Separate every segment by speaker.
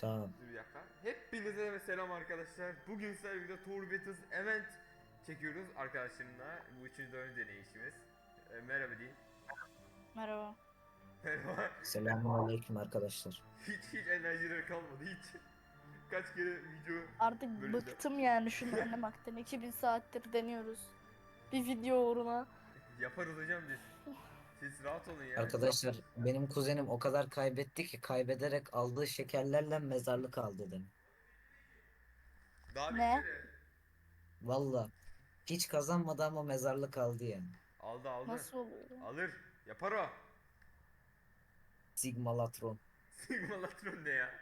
Speaker 1: Tamam.
Speaker 2: Dur bir dakika. Hepinize selam arkadaşlar. Bugün sizlerle birlikte Tour Battles Event çekiyoruz arkadaşlarımla. Bu üçüncü dördüncü deneyişimiz. Merhaba diyeyim.
Speaker 3: Merhaba.
Speaker 2: Merhaba.
Speaker 1: Selamünaleyküm arkadaşlar.
Speaker 2: Hiç enerjileri kalmadı hiç. Kaç kere video
Speaker 3: Artık
Speaker 2: bölümde.
Speaker 3: bıktım yani şunu oynamaktan. 2000 saattir deniyoruz. Bir video uğruna.
Speaker 2: Yaparız hocam biz. Siz rahat olun ya.
Speaker 1: Arkadaşlar benim kuzenim o kadar kaybetti ki kaybederek aldığı şekerlerle mezarlık aldı dedim.
Speaker 2: Daha
Speaker 3: Ne?
Speaker 2: bitmedi.
Speaker 1: Valla hiç kazanmadı ama mezarlık aldı yani.
Speaker 2: Aldı aldı.
Speaker 3: Nasıl oluyor ya?
Speaker 2: Alır. Yapar o.
Speaker 1: Sigmalatron.
Speaker 2: Sigma Latron ne ya?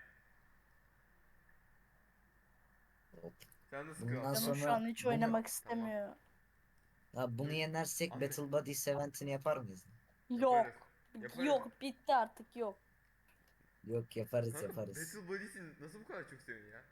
Speaker 1: Hop.
Speaker 2: Sen nasıl
Speaker 1: Bundan
Speaker 2: kral?
Speaker 3: Canım şu
Speaker 1: sonra
Speaker 3: an hiç
Speaker 1: bunu
Speaker 3: oynamak
Speaker 2: Tamam.
Speaker 3: istemiyor.
Speaker 1: bunu
Speaker 2: Dur.
Speaker 1: yenersek
Speaker 2: Ahmet.
Speaker 1: Battle Buddies eventini yapar mıyız?
Speaker 2: Yaparız.
Speaker 3: Yok.
Speaker 2: Yaparız.
Speaker 3: Yok, bitti artık, yok.
Speaker 1: Yok, yaparız
Speaker 2: Kanka
Speaker 1: yaparız.
Speaker 2: Battle Buddies'i nasıl bu kadar çok seviyorsun ya?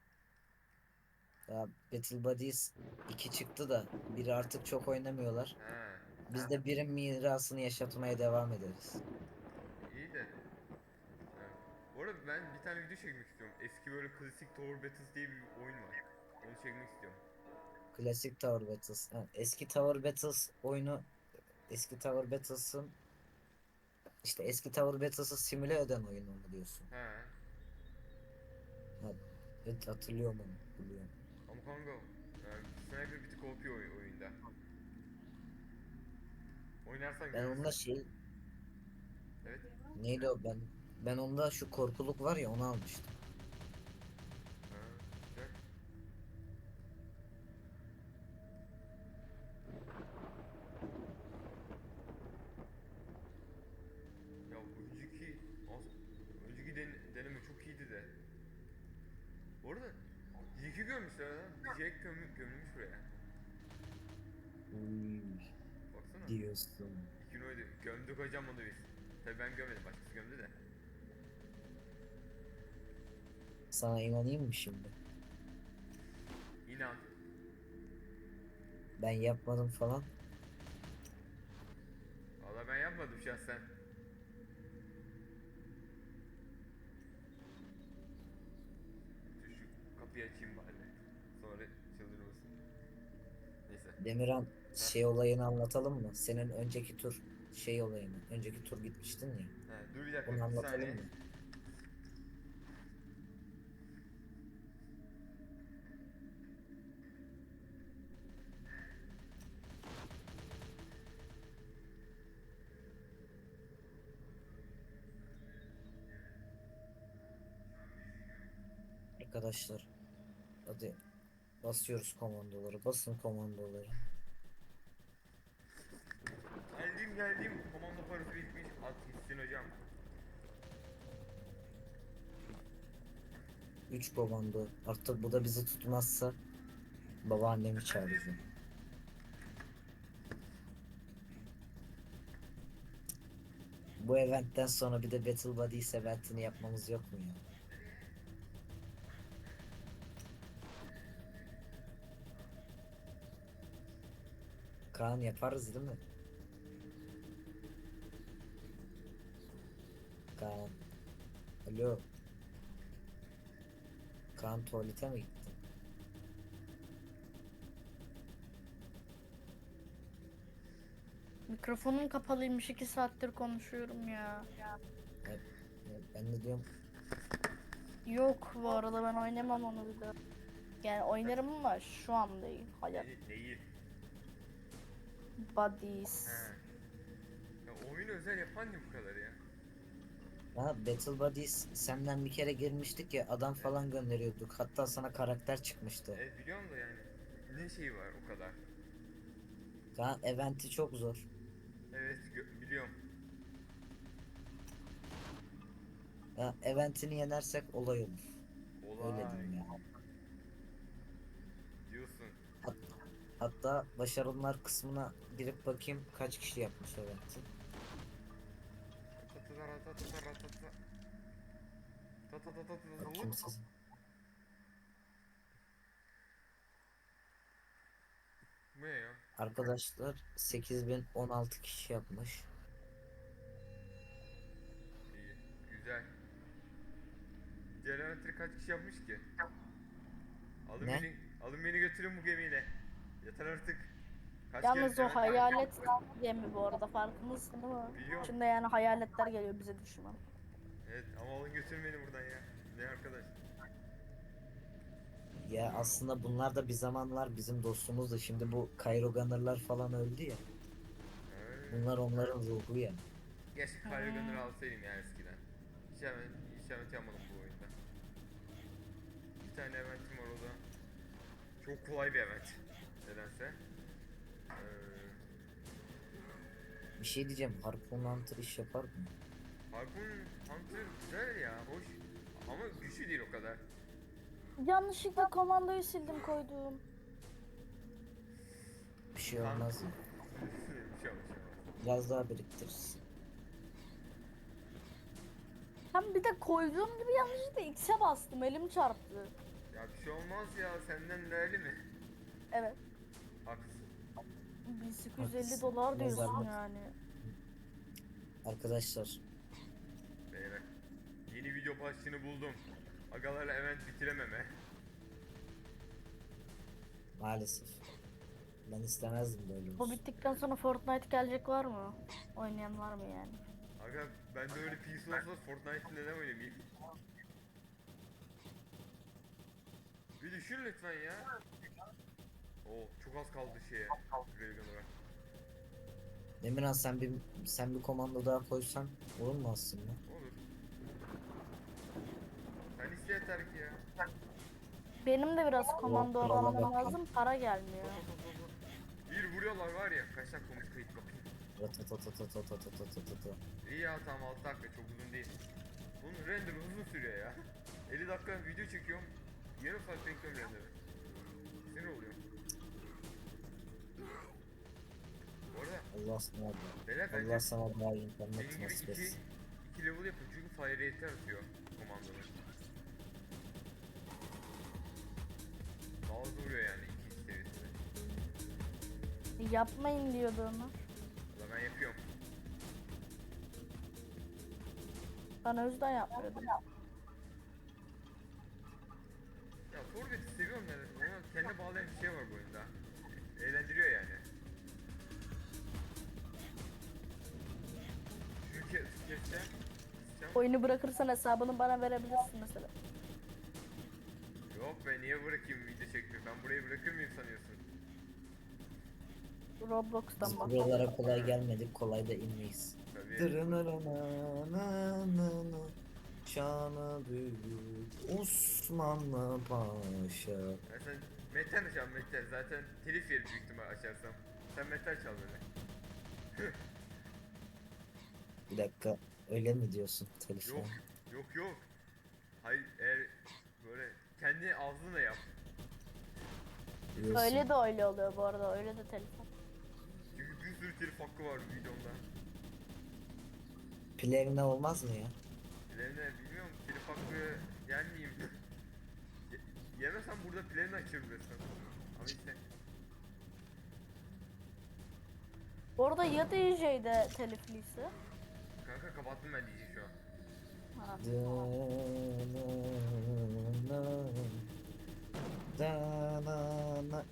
Speaker 1: Ya Battle Buddies 2 çıktı da biri artık çok oynamıyorlar.
Speaker 2: He.
Speaker 1: Biz de birin mirasını yaşatmaya devam ederiz.
Speaker 2: İyi de. Evet. Bu arada ben bir tane video çekmek istiyorum. Eski böyle klasik Tower Battles diye bir oyun var. Onu çekmek istiyorum.
Speaker 1: Klasik Tower Battles. Ha, eski Tower Battles oyunu, eski Tower Battles'ın işte eski Tower Battles'ı simüle eden oyunu mu diyorsun?
Speaker 2: He.
Speaker 1: Ha, evet, hatırlıyorum onu. Biliyorum.
Speaker 2: Ama kanka sniper bir tık OP oyunda. Oynarsan
Speaker 1: Ben onda
Speaker 2: görürsün.
Speaker 1: şey,
Speaker 2: Evet.
Speaker 1: neydi o, ben onda şu korkuluk var ya, onu almıştım.
Speaker 2: Ha, güzel. Ya önceki deneme çok iyiydi de. Bu arada Jack'i gömmüşler lan. Jack gömülmüş buraya.
Speaker 1: Uy,
Speaker 2: Baksana.
Speaker 1: diyorsun.
Speaker 2: İki oydu. Gömdük hocam onu biz. Tabii ben gömedim. Başkası gömdü de.
Speaker 1: Sana inanayım mı şimdi?
Speaker 2: İnan.
Speaker 1: Ben yapmadım falan.
Speaker 2: Valla ben yapmadım şahsen. Dur şu kapıyı açayım bari. Sonra çıldırmasın. Neyse.
Speaker 1: Demirhan,
Speaker 2: Heh.
Speaker 1: şey olayını anlatalım mı? Senin önceki tur şey olayını. Önceki tur gitmiştin ya.
Speaker 2: He, dur bir dakika
Speaker 1: Onu
Speaker 2: bir
Speaker 1: anlatalım
Speaker 2: saniye.
Speaker 1: mı? Arkadaşlar, hadi basıyoruz komandoları. Basın komandoları.
Speaker 2: Geldim. Komando parası bitmiş. At gitsin hocam.
Speaker 1: 3 komando. Artık bu da bizi tutmazsa babaannemi
Speaker 2: Efendim?
Speaker 1: çağıracağım. Bu eventten sonra bir de Battle Buddies eventini yapmamız yok mu ya? Kaan, yaparız değil mi? Kaan. Alo. Kaan, tuvalete mi gitti?
Speaker 3: Mikrofonum kapalıymış, 2 saattir konuşuyorum ya.
Speaker 1: Ben, ben de diyorum,
Speaker 3: Yok, bu arada ben oynamam onu bir daha. Yani oynarım ama şu an değil. Hayat.
Speaker 2: Neyi?
Speaker 3: Buddies.
Speaker 2: He. Ya oyunu özel yapan ne bu kadar ya?
Speaker 1: ha, Battle Buddies senden bir kere girmiştik ya, adam
Speaker 2: Evet.
Speaker 1: falan gönderiyorduk. Hatta sana karakter çıkmıştı.
Speaker 2: Evet biliyorum da yani. Ne şeyi var o kadar?
Speaker 1: Kaan, eventi çok zor.
Speaker 2: Evet biliyorum.
Speaker 1: Ha, eventini yenersek olay olur. Öyle
Speaker 2: Olay
Speaker 1: diyeyim ya.
Speaker 2: diyorsun.
Speaker 1: Hatta başarılar kısmına girip bakayım kaç kişi yapmış eventi. Bakayım siz.
Speaker 2: Bu ne ya?
Speaker 1: Arkadaşlar 8016 kişi yapmış.
Speaker 2: İyi. Güzel. Diğer eventleri kaç kişi yapmış ki? Alın
Speaker 1: Ne?
Speaker 2: beni, alın beni götürün bu gemiyle. Yeter artık. Kaç
Speaker 3: Yalnız
Speaker 2: kere
Speaker 3: o
Speaker 2: event var?
Speaker 3: hayalet gemi bu arada, farkındasın değil mi?
Speaker 2: Biliyorum.
Speaker 3: İçinde yani hayaletler geliyor bize düşman.
Speaker 2: Evet ama alın götürün beni buradan ya. Ne arkadaş?
Speaker 1: Ya aslında bunlar da bir zamanlar bizim dostumuzdu. Şimdi bu Cairo Gunner'lar falan öldü ya. Bunlar onların ruhu ya.
Speaker 2: Keşke Kylo Gunner'ı alsaydım yani eskiden. Hiç event yapmadım bu oyunda. Bir tane eventim var, o da çok kolay bir event. Nedense.
Speaker 1: Bir şey diyeceğim. Harpoon Hunter iş yapar mı?
Speaker 2: Harpoon Hunter güzel ya, hoş. Ama güçlü değil o kadar.
Speaker 3: Yanlışlıkla komandoyu sildim koydum.
Speaker 1: Bir şey olmaz.
Speaker 2: Bir şey olmaz.
Speaker 1: Biraz daha biriktiririz.
Speaker 3: Hem bir de koyduğum gibi yanlışlıkla X'e bastım, elim çarptı.
Speaker 2: Ya bir şey olmaz ya, senden değerli mi?
Speaker 3: Evet.
Speaker 2: Haklısın.
Speaker 3: 1850
Speaker 1: Haklısın.
Speaker 3: dolar
Speaker 1: Ne
Speaker 3: diyorsun
Speaker 1: zahmet.
Speaker 3: yani.
Speaker 1: Arkadaşlar
Speaker 2: Beyler. Yeni video başlığını buldum. Agalarla event bitirememe.
Speaker 1: maalesef. Ben istemezdim böyle
Speaker 3: Bu
Speaker 1: olsun.
Speaker 3: bittikten sonra Fortnite gelecek var mı? Oynayan var mı yani?
Speaker 2: Aga ben de öyle PC olsa Fortnite'ı neden oynamayayım? Bir düşün lütfen ya. Oo çok az kaldı şeye. Railgun'a.
Speaker 1: Demirhan sen bir komando daha koysan olur mu aslında?
Speaker 2: Olur. Sen iste yeter ki ya.
Speaker 3: Benim de biraz komando
Speaker 1: krala
Speaker 3: almam
Speaker 1: bak.
Speaker 3: lazım, para gelmiyor.
Speaker 2: Bir vuruyorlar var ya. Kaç dakika olmuş kayıt bakayım.
Speaker 1: Ratatatatatatatatatatata.
Speaker 2: İyi ya, tamam 6 dakika çok uzun değil. Bunun render uzun sürüyor ya. 50 dakika video çekiyorum. Yarım saat bekliyorum render'ı. Sinir oluyorum. Bu arada
Speaker 1: Allah sana
Speaker 2: beyler
Speaker 1: Allah
Speaker 2: bence
Speaker 1: sana daha iyi
Speaker 2: benim
Speaker 1: internet
Speaker 2: gibi
Speaker 1: nasip etsin.
Speaker 2: iki level yapın çünkü fire rate'i atıyor komandonun. Daha hızlı vuruyor yani 2 seviyesinde.
Speaker 3: Yapmayın diyordu Ömer.
Speaker 2: Valla ben yapıyorum.
Speaker 3: Ben o yüzden yapmıyordum.
Speaker 2: Ya Forvet'i seviyorum yani. Ona kendine bağlayan bir şey var bu oyunda. Eğlendiriyor yani. Çünkü tüketse
Speaker 3: Oyunu bırakırsan hesabını bana verebilirsin mesela.
Speaker 2: yok be, niye bırakayım video çekmeyi? Ben burayı bırakır mıyım sanıyorsun?
Speaker 3: Roblox'tan
Speaker 1: Biz
Speaker 3: bak.
Speaker 1: buralara kolay gelmedik, kolay da inmeyiz.
Speaker 2: Tabii.
Speaker 1: Dırınırınananana, şanı büyük Osmanlı Paşa.
Speaker 2: Ya sen metal çal metal. Zaten telif yeri büyük ihtimal açarsam. Sen metal çal böyle.
Speaker 1: Bir dakika, öyle mi diyorsun telefon?
Speaker 2: Yok. Yok. Hayır, eğer böyle kendi ağzınla yap.
Speaker 1: Diyorsun.
Speaker 3: Öyle de öyle oluyor bu arada, öyle de telefon.
Speaker 2: Çünkü bir sürü telif hakkı var videomda.
Speaker 1: Plevne olmaz mı ya?
Speaker 2: Plevne bilmiyorum, telif hakkı yer miyim? Yemesem burada plevne açarım resmen. Ama işte.
Speaker 3: Bu arada ya DJ'de telifliyse?
Speaker 2: Kanka kapattım ben diyeceğim şu an.
Speaker 3: Ha.
Speaker 1: Danana,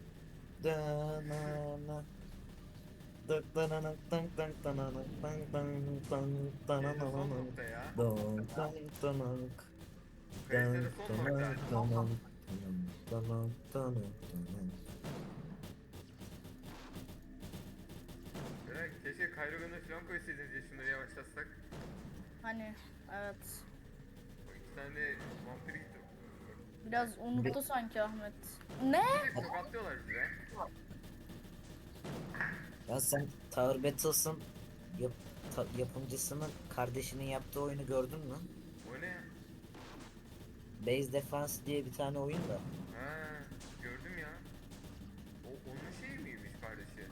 Speaker 1: danana, dık danana, dank dank danana, dank dank dank
Speaker 2: Yayında son
Speaker 1: danana,
Speaker 2: nokta ya.
Speaker 1: dank dank dank,
Speaker 2: Kayıtta da
Speaker 1: dank
Speaker 2: son nokta.
Speaker 1: dank dank, dank dank dank.
Speaker 2: Merak, keşke Kylo Gun'ı falan koysaydınız ya, şunları yavaşlatsak.
Speaker 3: Hani evet.
Speaker 2: O iki tane vampir gitti.
Speaker 3: Biraz unuttu sanki Ahmet. Ne?
Speaker 2: Bir de tokatlıyorlar bize.
Speaker 1: Ya sen Tower Battles'ın yapımcısının kardeşinin yaptığı oyunu gördün mü?
Speaker 2: O ne ya?
Speaker 1: Base Defense diye bir tane oyun da.
Speaker 2: Ha, gördüm ya. O onun şeyi miymiş kardeşi?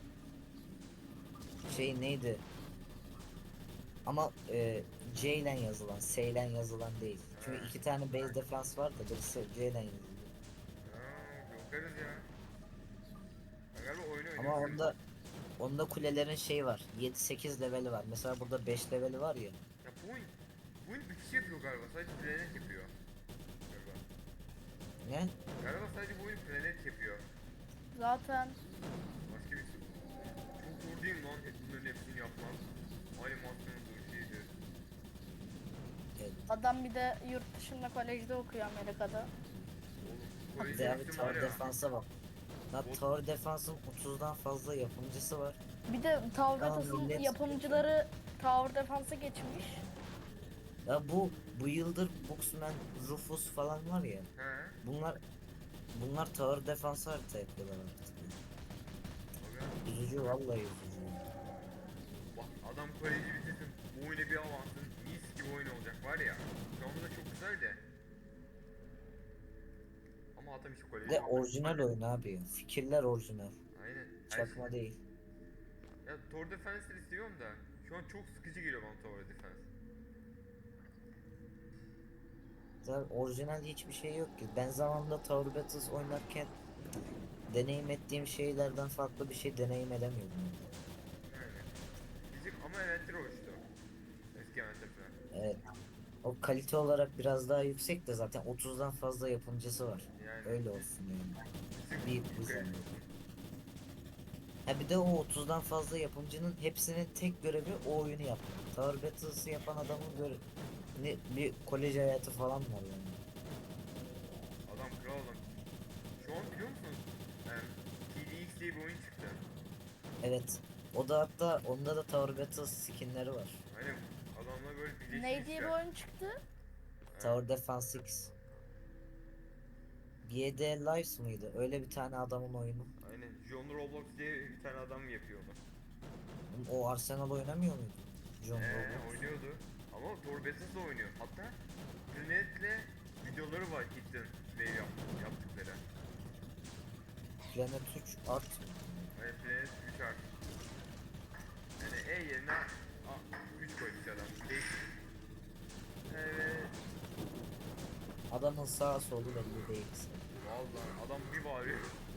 Speaker 1: Şey neydi? Ama C ile yazılan, S ile yazılan değil. Çünkü
Speaker 2: Ha.
Speaker 1: iki tane Base Defense var da birisi C ile yazılıyor.
Speaker 2: Ha, bakarız ya. Ben galiba oyunu
Speaker 1: Ama
Speaker 2: oynuyorum.
Speaker 1: onda kulelerin şey var. 7-8 leveli var. Mesela burada 5 leveli var ya.
Speaker 2: Ya point. Bu oyun bir kişi yapıyor galiba. Sadece Planet yapıyor. Galiba.
Speaker 1: Ne?
Speaker 2: Galiba sadece bu oyun Planet yapıyor.
Speaker 3: Zaten
Speaker 2: Başka bir şey. Çok zor değil mi lan bunların hepsini yapmak? Animasyondur, şeydir.
Speaker 1: Evet.
Speaker 3: adam bir de yurt dışında kolejde okuyor Amerika'da.
Speaker 2: Oğlum
Speaker 1: Bir de abi
Speaker 2: kolejde var
Speaker 1: Tower
Speaker 2: ya.
Speaker 1: Defense'a bak. Lan Tower Defense'ın 30'dan fazla yapımcısı var.
Speaker 3: Bir de Tower
Speaker 1: Tamam,
Speaker 3: Battles'ın
Speaker 1: millet-
Speaker 3: yapımcıları Tower Defense'a geçmiş.
Speaker 1: Ya bu yıldır Boxman, Rufus falan var ya.
Speaker 2: He.
Speaker 1: Bunlar Tower Defense harita yapıyorlar artık.
Speaker 2: Aga.
Speaker 1: Üzücü, vallahi üzücü.
Speaker 2: Bak adam koleji bitirsin. Bu oyuna bir avansın. Mis gibi oyun olacak var ya. Şu anda da çok güzel de. Ama adam işte
Speaker 1: Bir
Speaker 2: koleji.
Speaker 1: de orijinal oyun abi. Fikirler orijinal.
Speaker 2: Aynen. Her
Speaker 1: Çakma
Speaker 2: şey-
Speaker 1: değil.
Speaker 2: Ya Tower Defense'leri seviyorum da. Şu an çok sıkıcı geliyor bana Tower Defense.
Speaker 1: Zaten orijinal hiçbir şey yok ki. Ben zamanında Tower Battles oynarken deneyim ettiğim şeylerden farklı bir şey deneyim edemiyordum.
Speaker 2: Yani. Bizim ama eventleri hoştu. Eski eventler falan.
Speaker 1: Evet. O kalite olarak biraz daha yüksek de zaten 30'dan fazla yapımcısı var.
Speaker 2: Yani.
Speaker 1: Öyle olsun yani.
Speaker 2: Bizim
Speaker 1: Bir
Speaker 2: çok
Speaker 1: güzel.
Speaker 2: kaliteli.
Speaker 1: Ha bir de o 30'dan fazla yapımcının hepsinin tek görevi o oyunu yapmak. Tower Battles'ı yapan adamın bir kolej hayatı falan var yani.
Speaker 2: Adam kral adam. Şu an biliyor musunuz? TDX diye bir oyun çıktı.
Speaker 1: Evet. O da hatta onda da Tower Battles skinleri var.
Speaker 2: Hani adamlar böyle birleşmişler.
Speaker 3: Ne diye bir oyun çıktı?
Speaker 1: Tower Defense X. BD Lives mıydı? Öyle bir tane adamın oyunu.
Speaker 2: Aynen. John Roblox diye bir tane adam yapıyor onu.
Speaker 1: O Arsenal oynamıyor muydu? John Roblox.
Speaker 2: Oynuyordu. Ama Thor Battle'da oynuyor. Hatta Planet'le videoları var Hidden ve yaptıkları.
Speaker 1: Planet 3 Art.
Speaker 2: Hani Planet 3 artık. Yani E yerine 3 koymuş adam. Değişik. Evet.
Speaker 1: Adamın sağa solu belli değil.
Speaker 2: Vallahi adam bir bağırıyor.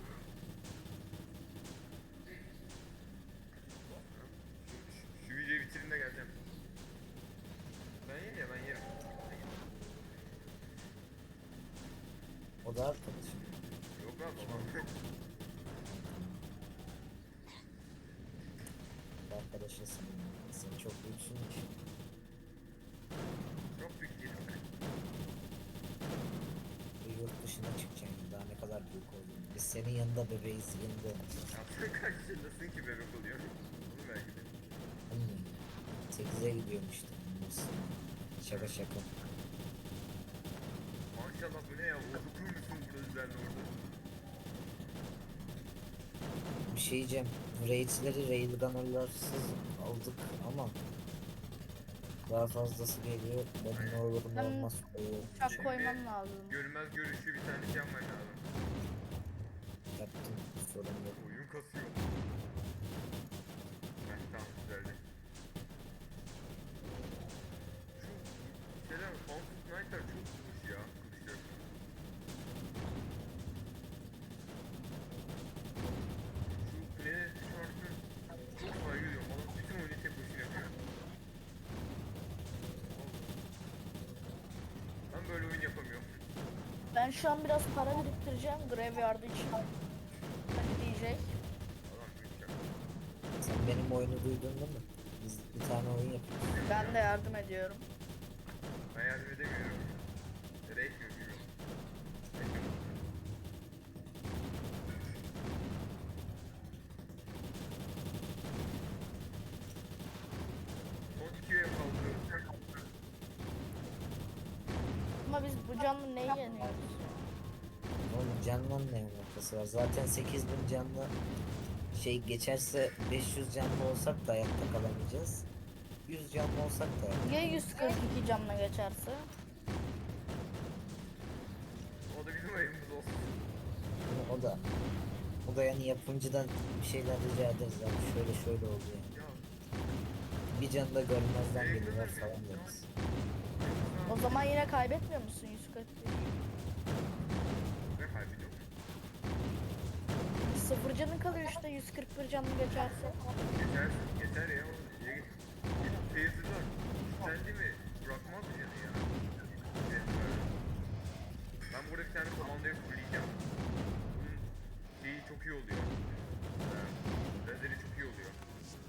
Speaker 2: Şu videoyu bitireyim de geleceğim. Ben yerim ya ben yerim.
Speaker 1: O da arkadaşım.
Speaker 2: Yok lan babam.
Speaker 1: Arkadaşısın. Sen çok büyüksün ki.
Speaker 2: Çok büyük değilim ben.
Speaker 1: Bir yurt dışına çıkacaksın. Daha ne kadar büyük oldun. Biz senin yanında bebeğiz. Yanında olacağız.
Speaker 2: Ya sen kaç yaşındasın ki bebek oluyor? Bunu belki de.
Speaker 1: Anne. 8'e gidiyorum işte. Nasıl? Şaka şaka.
Speaker 2: Maşallah bu ne ya? Okutur musun burada düzenli orada?
Speaker 1: Bir şey diyeceğim. Raid'leri Railgunner'larsız aldık ama daha fazlası geliyor. Ben ne olur ne
Speaker 3: Ben
Speaker 1: olmaz koyuyorum.
Speaker 3: Uçak koymam lazım.
Speaker 2: Görünmez görüşü bir tane şey yapman lazım.
Speaker 1: Yaptım. Sorun yok.
Speaker 2: Oyun kasıyor. Heh tamam güzeldi. Şu şeyler Mountain Knight'lar çok tutmuş ya. Kılıçlar. Şu Planet şarkı çok saygı duyuyorum. Adam bütün oyunu tek başına yapıyor. Ben böyle oyun yapamıyorum.
Speaker 3: Ben şu an biraz para biriktireceğim Graveyard için. Hani diyecek.
Speaker 2: Adam büyük ya.
Speaker 1: Sen benim oyunu duydun değil mi? Biz bir tane oyun yapıyoruz.
Speaker 3: Ben de yardım ediyorum.
Speaker 2: Ben yardım edemiyorum. Ya da etmiyorum bilmiyorum. Etmiyorum. Son 2 üye kaldı.
Speaker 3: Ama biz bu canlı neyi yeniyoruz?
Speaker 1: Oğlum canla ne alakası var? Zaten 8000 canlı şey geçerse 500 canlı olsak da hayatta kalamayacağız. 100 canlı olsak da
Speaker 3: Ya 142 canla geçerse?
Speaker 2: O da bizim ayımız olsun.
Speaker 1: o da yani yapımcıdan bir şeyler rica ederiz abi. Şöyle oldu yani.
Speaker 2: Ya.
Speaker 1: Bir canı da görmezden geliyorlar falan deriz.
Speaker 3: O zaman yine kaybetmiyor musun 141?
Speaker 2: Ne kaybediyor?
Speaker 3: Sıfır canın kalıyor işte 141 canlı geçerse.
Speaker 2: Geçer ya. Taser'lar. Sen değil mi? Bırakmaz kalmaz mı canı ya? Evet, böyle. Ben burada bir tane komandayı fulleyeceğim. Bunun şeyi çok iyi oluyor. Lazeri çok iyi oluyor.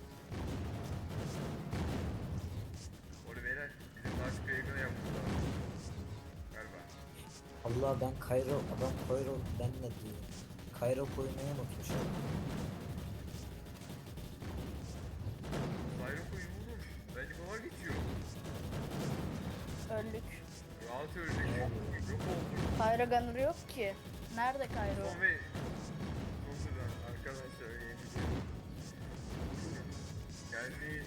Speaker 2: Orada beyler bizim daha çok yakını yapmamız lazım. Galiba.
Speaker 1: Allah ben Kayro, adam Kayro ben ne diyor? Kayro koymayı unutmuşum.
Speaker 2: Sayro koyun oğlum. Bence kolay geçiyor.
Speaker 3: Öldük.
Speaker 2: Rahat ölecek. Yok oldu.
Speaker 3: Kayra Gunner yok ki. Nerede Kayra?
Speaker 2: Son ve son sıra arkadaşlar yeni geldi.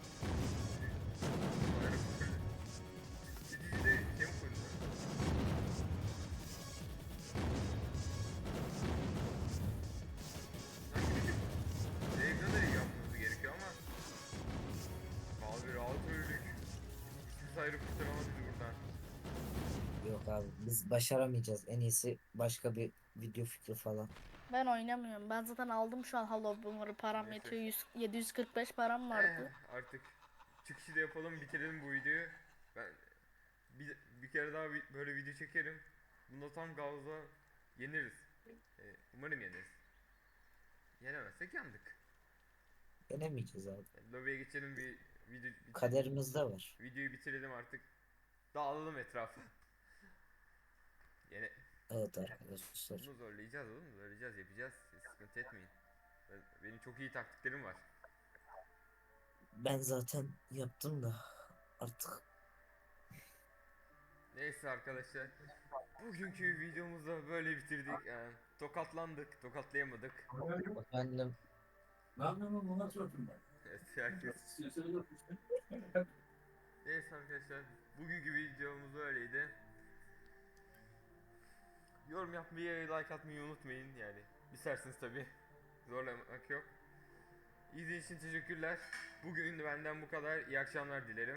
Speaker 2: Sayro koyun. Cici de şey mi koydu? Evde de yapmamız gerekiyor ama abi rahat öldük. Hiçbir Sayro kurtaramadı bizi buradan.
Speaker 1: Yok abi biz başaramayacağız. En iyisi başka bir video fikri falan.
Speaker 3: Ben oynamıyorum. Ben zaten aldım şu an Hollow Boomer'ı. Param
Speaker 2: Neyse.
Speaker 3: yetiyor. 745 param vardı.
Speaker 2: Artık çıkışı da yapalım, bitirelim bu videoyu. Ben bir kere daha böyle video çekerim. Bunda tam gazla yeniriz. Umarım yeniriz. Yenemezsek yandık.
Speaker 1: Denemeyeceğiz abi.
Speaker 2: Lobiye geçelim, bir
Speaker 1: Kaderimizde var.
Speaker 2: videoyu bitirelim artık. Dağılalım etrafa. Yine
Speaker 1: Evet arkadaşlar.
Speaker 2: bunu zorlayacağız oğlum, zorlayacağız, yapacağız. Siz sıkıntı etmeyin. Benim çok iyi taktiklerim var.
Speaker 1: Ben zaten yaptım da artık
Speaker 2: Neyse arkadaşlar. Bugünkü videomuzu böyle bitirdik. Tokatlandık, tokatlayamadık.
Speaker 1: efendim
Speaker 4: Ben ona sordum ben.
Speaker 2: Evet, herkes. Neyse arkadaşlar. Bugünkü videomuz böyleydi. Yorum yapmayı, like atmayı unutmayın yani. İsterseniz tabi. Zorlamak yok. İzlediğiniz için teşekkürler. Bugün benden bu kadar. İyi akşamlar dilerim.